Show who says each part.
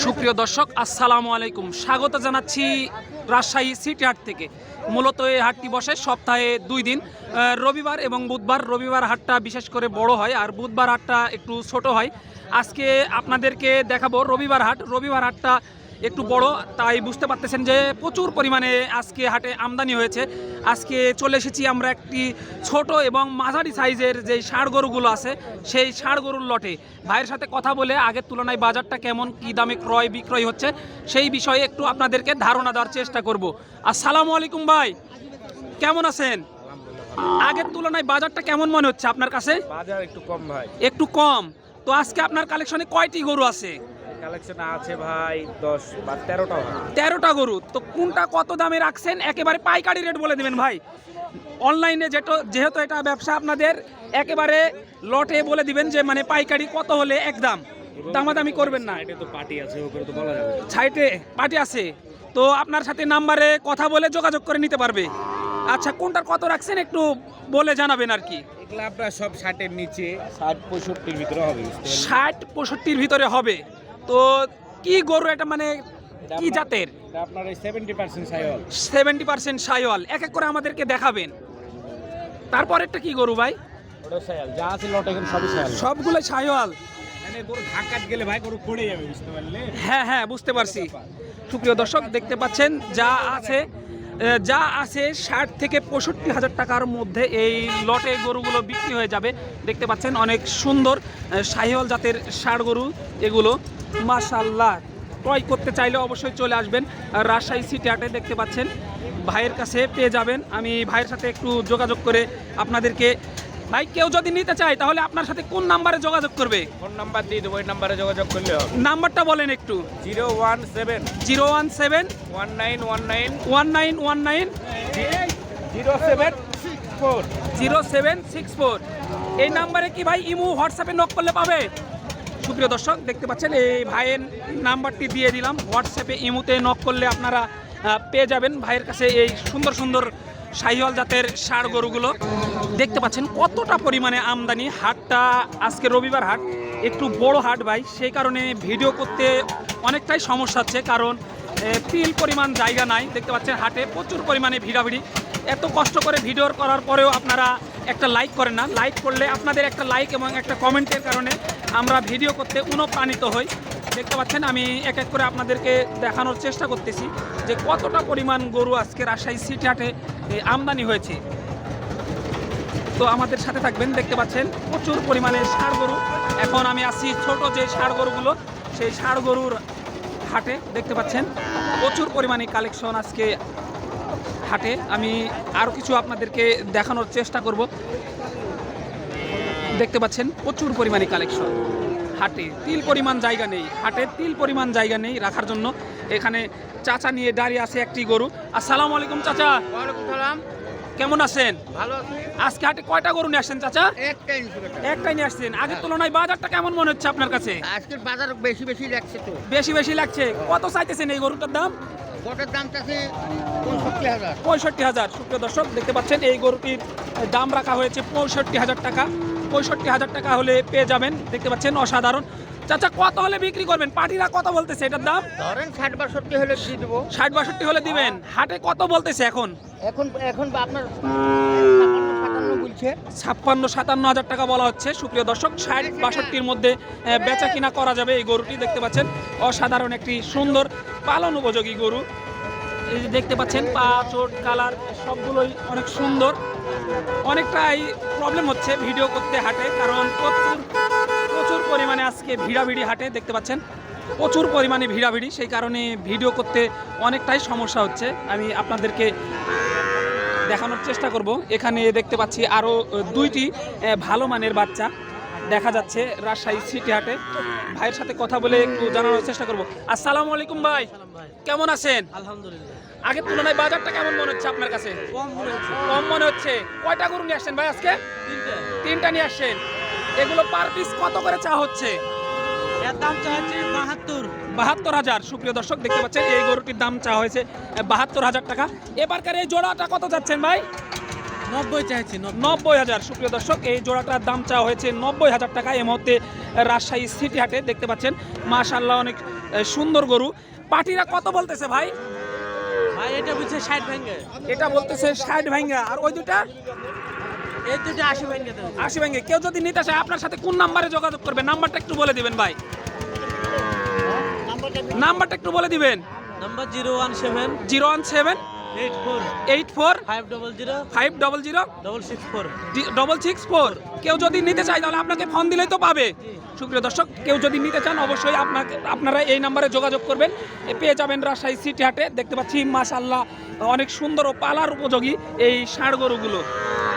Speaker 1: সুপ্রিয় দর্শক আসসালামু আলাইকুম, স্বাগত জানাচ্ছি রাজশাহী সিটি হাট থেকে। মূলত এই হাটটি বসে সপ্তাহে 2 দিন, রবিবার এবং বুধবার। রবিবার হাটটা বিশেষ করে বড় হয় আর বুধবার হাটটা একটু ছোট হয়। আজকে আপনাদেরকে দেখাবো রবিবার হাট। রবিবার হাটটা একটু বড়, তাই বুঝতে পারতেছেন যে প্রচুর পরিমাণে আজকে হাটে আমদানি হয়েছে। আজকে চলে এসেছি আমরা একটি ছোট এবং মাঝারি সাইজের যে ষাঁড় গরুগুলো আছে সেই ষাঁড় গরুর লটে। ভাইয়ের সাথে কথা বলে আগের তুলনায় বাজারটা কেমন, কী দামে ক্রয় বিক্রয় হচ্ছে সেই বিষয়ে একটু আপনাদেরকে ধারণা দেওয়ার চেষ্টা করব। আসসালামু আলাইকুম ভাই, কেমন আছেন? আগের তুলনায় বাজারটা কেমন মনে হচ্ছে আপনার কাছে?
Speaker 2: বাজার একটু কম ভাই।
Speaker 1: একটু কম। তো আজকে আপনার কালেকশনে কয়টি গরু আছে?
Speaker 2: কালেকশন আছে ভাই 10 বা 13টা ভাই।
Speaker 1: 13টা গরু। তো কোনটা কত দামে রাখছেন একেবারে পাইকারি রেট বলে দেবেন ভাই। অনলাইনে যেহেতু এটা ব্যবসা আপনাদের, একেবারে লটে বলে দিবেন যে মানে পাইকারি কত হলে একদম, দামাদামি করবেন না।
Speaker 2: এটা তো পার্টি আছে, ওপরে তো বলা যাবে।
Speaker 1: সাইটে পার্টি আছে, তো আপনার সাথে নাম্বারে কথা বলে যোগাযোগ করে নিতে পারবে। আচ্ছা, কোনটার কত রাখছেন একটু বলে জানাবেন আর কি।
Speaker 2: এগুলা আপনার সব 60 এর নিচে, 60-65 এর ভিতরে হবে।
Speaker 1: 60-65 ভিতরে হবে। তো কি গরু এটা, মানে কি জাতের?
Speaker 2: এটা আপনার এই 70% সাইওয়াল।
Speaker 1: 70% সাইওয়াল। এক এক করে আমাদেরকে দেখাবেন। তারপর একটা কি গরু ভাই?
Speaker 2: ওটা সাইওয়াল, যা আছে লট এখানে সবই সাইওয়াল।
Speaker 1: সবগুলো সাইওয়াল।
Speaker 2: মানে গরু ধাক্কাত গেলে ভাই গরু পড়ে যাবে, বুঝতে পারলে?
Speaker 1: হ্যাঁ হ্যাঁ, বুঝতে পারছি। সুপ্রিয় দর্শক দেখতে পাচ্ছেন যা আছে 60 থেকে 65 হাজার টাকার মধ্যে এই লটে গরুগুলো বিক্রি হয়ে যাবে। দেখতে পাচ্ছেন অনেক সুন্দর শাহিওয়াল জাতের ষাঁড় গরু এগুলো, মাশাআল্লাহ। ক্রয় করতে চাইলে অবশ্যই চলে আসবেন রাজশাহী সিটি হাটে। দেখতে পাচ্ছেন ভাইয়ের কাছে পেয়ে যাবেন। আমি ভাইয়ের সাথে একটু যোগাযোগ করে আপনাদেরকে, ভাই কেউ যদি নিতে চায় তাহলে আপনার সাথে কোন নাম্বারে যোগাযোগ করবে?
Speaker 2: ফোন নাম্বার দিয়ে দেবো, ওই নাম্বারে যোগাযোগ করলে হবে।
Speaker 1: নাম্বারটা বলেন একটু।
Speaker 2: 017
Speaker 1: 017
Speaker 2: 1919
Speaker 1: 1919
Speaker 2: 0764
Speaker 1: 0764। এই নাম্বারে কি ভাই ইমো হোয়াটসঅ্যাপে নক করলে পাবে? সুপ্রিয় দর্শক দেখতে পাচ্ছেন এই ভাইয়ের নাম্বারটি দিয়ে দিলাম। হোয়াটসঅ্যাপে ইমোতে নক করলে আপনারা পেয়ে যাবেন ভাইয়ের কাছে এই সুন্দর সুন্দর শাহিওয়াল জাতের ষাঁড় গরুগুলো। দেখতে পাচ্ছেন কতটা পরিমাণে আমদানি। হাটটা আজকে রবিবার হাট, একটু বড় হাট ভাই, সেই কারণে ভিডিও করতে অনেকটাই সমস্যা হচ্ছে, কারণ তিল পরিমাণ জায়গা নাই। দেখতে পাচ্ছেন হাটে প্রচুর পরিমাণে ভিড়াভিড়ি। এত কষ্ট করে ভিডিও করার পরেও আপনারা একটা লাইক করেন না। লাইক করলে আপনাদের একটা লাইক এবং একটা কমেন্টের কারণে আমরা ভিডিও করতে অনুপ্রাণিত হই। দেখতে পাচ্ছেন আমি এক এক করে আপনাদেরকে দেখানোর চেষ্টা করতেছি যে কতটা পরিমাণ গরু আজকে রাজশাহী সিটি হাটে আমদানি হয়েছে। তো আমাদের সাথে থাকবেন। দেখতে পাচ্ছেন প্রচুর পরিমাণে ষাঁড় গরু। এখন আমি আসছি ছোট যে ষাঁড় গরুগুলো, সেই ষাঁড় গরুর হাটে। দেখতে পাচ্ছেন প্রচুর পরিমাণে কালেকশন আজকে হাটে। আমি আরও কিছু আপনাদেরকে দেখানোর চেষ্টা করব। দেখতে পাচ্ছেন প্রচুর পরিমাণে কালেকশন হাটে। তিল পরিমাণ জায়গা নেই হাটে, তিল পরিমাণ জায়গা নেই রাখার জন্য। এখানে চাচা নিয়ে দাঁড়িয়ে আছে একটি গরু। আসসালামু আলাইকুম চাচা।
Speaker 3: ওয়ালাইকুম সালাম। কেমন আছেন?
Speaker 1: ভালো আছি। আজকে হাটে কয়টা গরু নিয়ে আসছেন চাচা? একটাই নিয়ে আসছেন। আগের তুলনায় বাজারটা কেমন মনে হচ্ছে আপনার কাছে?
Speaker 3: আজকের বাজার বেশি বেশি লাগছে তো।
Speaker 1: বেশি লাগছে। কত চাইতেছেন এই গরুটার দাম?
Speaker 3: গোটার দাম চাচ্ছে 65,000।
Speaker 1: 65,000। সুপ্রিয় দর্শক দেখতে পাচ্ছেন এই গরুটির দাম রাখা হয়েছে 65,000 টাকা। 65,000 টাকা হলে পেয়ে যাবেন। দেখতে পাচ্ছেন অসাধারণ। চাচা কত হলে বিক্রি করবেন? পার্টিরা কত বলতেছে এটার দাম?
Speaker 3: ধরেন 60-62 হলে দিয়ে দেবো।
Speaker 1: 60-62 হলে দিবেন। হাটে কত বলতেছে এখন?
Speaker 3: এখন আপনার 57 বলছে।
Speaker 1: 56-57 হাজার টাকা বলা হচ্ছে। সুপ্রিয় দর্শক 60-62-র মধ্যে বেচা কিনা করা যাবে এই গরুটি। দেখতে পাচ্ছেন অসাধারণ একটি সুন্দর পালন উপযোগী গরু। এই যে দেখতে পাচ্ছেন পা, চোট, কালার সবগুলোই অনেক সুন্দর। অনেকটাই প্রবলেম হচ্ছে ভিডিও করতে হাটে, কারণ প্রচুর পরিমাণে আজকে ভিড়াভিড়ি হাটে। দেখতে পাচ্ছেন প্রচুর পরিমাণে ভিড়াভিড়ি, সেই কারণে ভিডিও করতে অনেকটাই সমস্যা হচ্ছে। আমি আপনাদেরকে দেখানোর চেষ্টা করব। এখানে দেখতে পাচ্ছি আরও 2টি ভালো মানের বাচ্চা দেখা যাচ্ছে রাজশাহী সিটি হাটে। ভাইয়ের সাথে কথা বলে একটু জানানোর চেষ্টা করব। আসসালামু আলাইকুম ভাই, কেমন আছেন?
Speaker 4: আলহামদুলিল্লাহ।
Speaker 1: আগের তুলনায় বাজারটা কেমন মনে হচ্ছে আপনার কাছে? কম মনে হচ্ছে। কয়টা গরু নিয়ে আসছেন ভাই আজকে? 3টা নিয়ে আসছেন। এগুলো পার পিস কত করে চা হচ্ছে?
Speaker 4: এর দাম চাচ্ছি
Speaker 1: 72,000। সুপ্রিয় দর্শক দেখতে পাচ্ছেন এই গরুটির দাম চা হয়েছে 72,000 টাকা। এবারকার এই জোড়াটা কত যাচ্ছেন ভাই?
Speaker 4: 90 চাইছি
Speaker 1: 90,000। সুপ্রিয় দর্শক, এই জোড়াটার দাম চাওয়া হয়েছে 90,000 টাকা। এই মুহূর্তে রাজশাহী সিটি হাটে দেখতে পাচ্ছেন, মাশাআল্লাহ অনেক সুন্দর গরু। পাটিরা কত বলতেছে ভাই?
Speaker 4: ভাই এটা বুঝছে 60 ভেঙে,
Speaker 1: এটা বলতেছে 60 ভাঙ্গা, আর ওই দুটা
Speaker 4: এই দুটো 80 ভেঙে দেবে।
Speaker 1: 80 ভাঙ্গে। কেউ যদি নিতে চায় আপনার সাথে কোন নাম্বারে যোগাযোগ করবে? নাম্বারটা একটু বলে দিবেন ভাই, নাম্বারটা একটু বলে দিবেন।
Speaker 4: নাম্বার 017
Speaker 1: 017
Speaker 4: 84
Speaker 1: 84
Speaker 4: 500
Speaker 1: 500
Speaker 4: 664।
Speaker 1: 664। কেউ যদি নিতে চায় তাহলে আপনাকে ফোন দিলেই তো পাবে। সুপ্রিয় দর্শক, কেউ যদি নিতে চান অবশ্যই আপনারা এই নাম্বারে যোগাযোগ করবেন, পেয়ে যাবেন রাজশাহী সিটি হাটে। দেখতে পাচ্ছি মাশাআল্লাহ অনেক সুন্দর ও পালার উপযোগী এই ষাঁড় গরুগুলো।